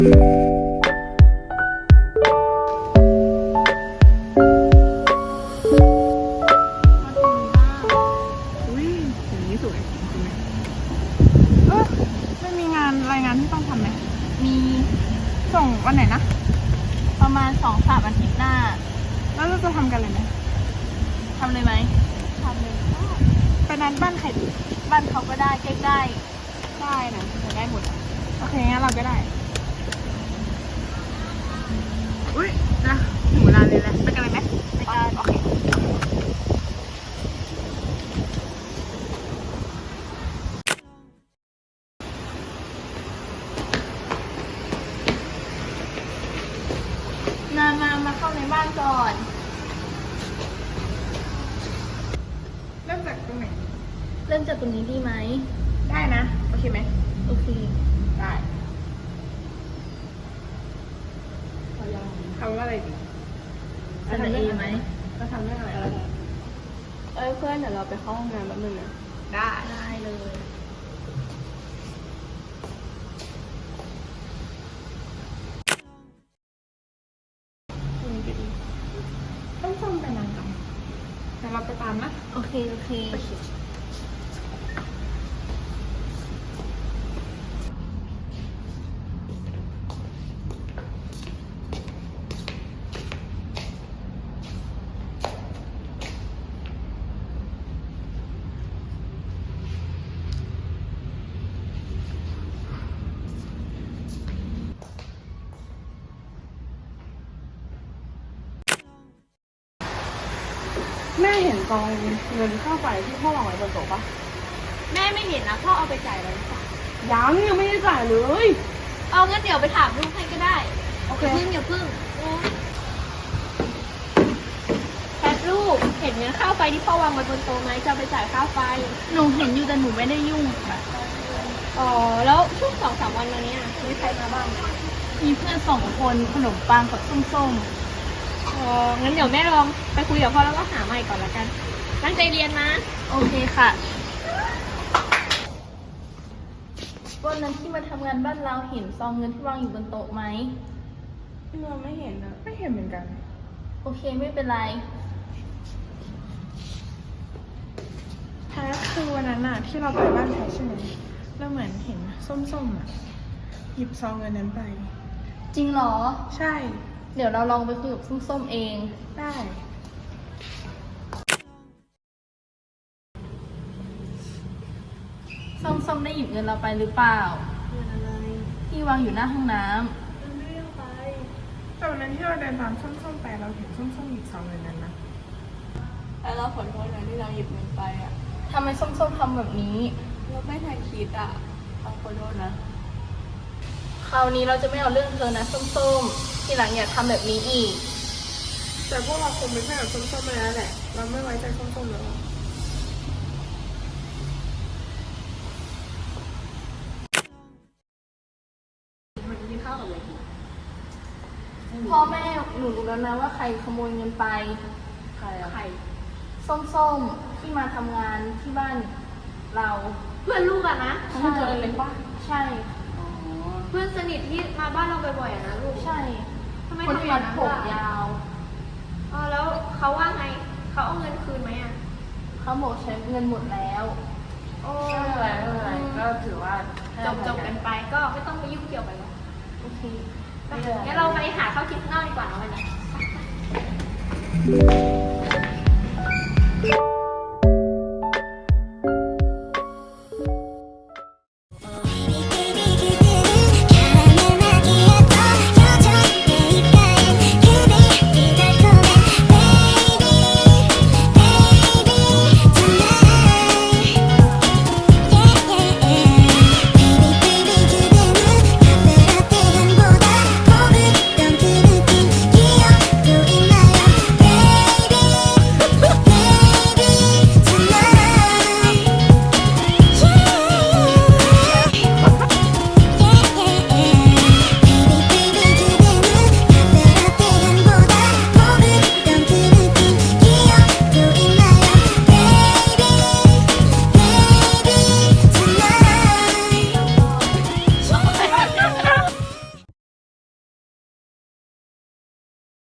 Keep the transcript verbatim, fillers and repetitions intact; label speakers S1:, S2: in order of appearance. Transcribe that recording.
S1: อุ้ยอย่างนี้สวยจริงไหมเออไม่มีงานรายงานที่ต้องทำไหม
S2: มี
S1: ส่งวันไหนนะ
S2: ประมาณสองสามอาทิตย์หน้า
S1: แล้วเราจะทำกันเลยไหม
S2: ทำเลยไหมทำเลยได้
S1: ไปนัดบ้านใครดี
S2: บ้านเขาก็ได้ใกล้
S1: ได้นะจะได้หมดอะโอเคงั้นเราก็ได้อุ้ยนะถึงเวลาเลยแล้วไปกันเลยไหม
S2: ๆไปกัน
S1: โอเค
S2: มามามาเข้าในบ้านก่อน
S1: เริ่มจากตรงไหน
S2: เริ่มจากตรงนี้ดีไหม
S1: ได้นะโอเคไหม
S2: โอเค
S1: ได้ทำว่าอะไรดี
S2: เสนอเองไหม
S1: เราทำเรื่องอะไร
S2: เอ้ยเพื่อนเดี๋ยวเราไปเข้าห้องน้ำแป๊บนึงนะ
S1: ได้
S2: ได้เลย
S1: ต้องซ่อมไปนานจังแต่เราไปตามนะ
S2: โอเคโอเค
S1: แม่เห็นกองเงินค่าไฟที่พ่อวางไว้บนโต๊ะปะ
S2: แม่ไม่เห็นนะพ่อเอาไปจ่ายแล้วหรือเปล่า
S1: ยังยังไม่ได้จ่ายเลย
S2: เอางั้นเดี๋ยวไปถามลูกให้ก็ได้
S1: โอเค
S2: อย่าพึ่งอย่าพึ่งแพทลูกเห็นเงินค่าไฟที่พ่อวางไว้บนโต๊ะไหมจะเอาไปจ่ายค่าไฟหนูเห็นอยู่แต่หนูไม่ได้ยุ่งค่ะอ๋อแล้วช่วงสองสามวันมาเนี้ยมีใครมาบ้างมีเพื่อนสองคนขนมปังกับส้มๆอ๋องั้นเดี๋ยวแม่ลองไปคุยกับพ่อแล้วก็หาใหม่ก่อนละกันตั้งใจเรียนนะโอเคค่ะวันนั้นที่มาทำงานบ้านเราเห็นซองเงินที่วางอยู่บนโต๊ะไหม
S1: เราไม่เห็นนะไม่เห็นเหมือนกัน
S2: โอเคไม่เป็นไร
S1: แท้คือวันนั้นน่ะที่เราไปบ้านแท้ใช่ไหมเราเหมือนเห็นส้มๆอ่ะหยิบซองเงินนั้นไป
S2: จริงเหรอ
S1: ใช่
S2: เดี๋ยวเราลองไปคุยกับส้มๆเอง
S1: ได้
S2: ส้มๆได้หยิบเงินเราไปหรือเปล่า
S1: เงินอะไร
S2: ที่วางอยู่หน้าห้องน้ำ
S1: มันไม่ได้เอาไปแต่วันนั้นที่เราเดินตามส้มๆไปเราเห็นส้มๆหยิบซองเงินนั้นนะ
S3: แล้วเราขอโทษนะที่เราหยิบเงินไปอ่ะ
S2: ทำไมส้มๆทำแบบนี้
S3: เราไม่ทันคิดอ่ะเราขอโทษนะ
S2: คราวนี้เราจะไม่เอาเรื่องเธอนะส้มๆทีหลังอย่าทำแบบนี้อีก
S1: แต่พวกเราคงไม่ใช่แบบส้มๆไปแล้วแหละเราไม่ไว้ใจส้มๆแล้วอะ
S2: พ่อแม่หนูรู้แล้วนะว่าใครขโมยเงินไป
S3: ใครอ่ะ
S2: ใครส้มๆที่มาทำงานที่บ้านเรา
S3: เพื่อนลูกอะนะ
S2: ใช่ ใช่
S3: อ๋อ
S4: เพื่อนสนิทที่มาบ้านเราบ่อยๆอะนะลูก
S2: ใช่
S4: ทำไม
S2: คน
S4: ทำอ
S2: ที่
S4: ย่าง
S2: มั
S4: นั้
S2: ด
S4: น
S2: ผม
S4: ล่ะ
S2: ยาว
S4: อ๋อแล้วเขาว่าไง เขาเอาเงินคืนไหมอ่ะ
S2: เขาบอกใช้เงินหมดแล้ว
S4: โอ้
S3: ไม่เป็นไรไม่เป็นไรก็ถือว่า
S4: จบจบกันไปก็ไม่ต้องไปยุ่งเกี่ยวกันหรอก
S2: โอเค
S4: ไปงั้นเราไปหาข้าวกินข้างนอกดีกว่านะวันนี้
S1: เ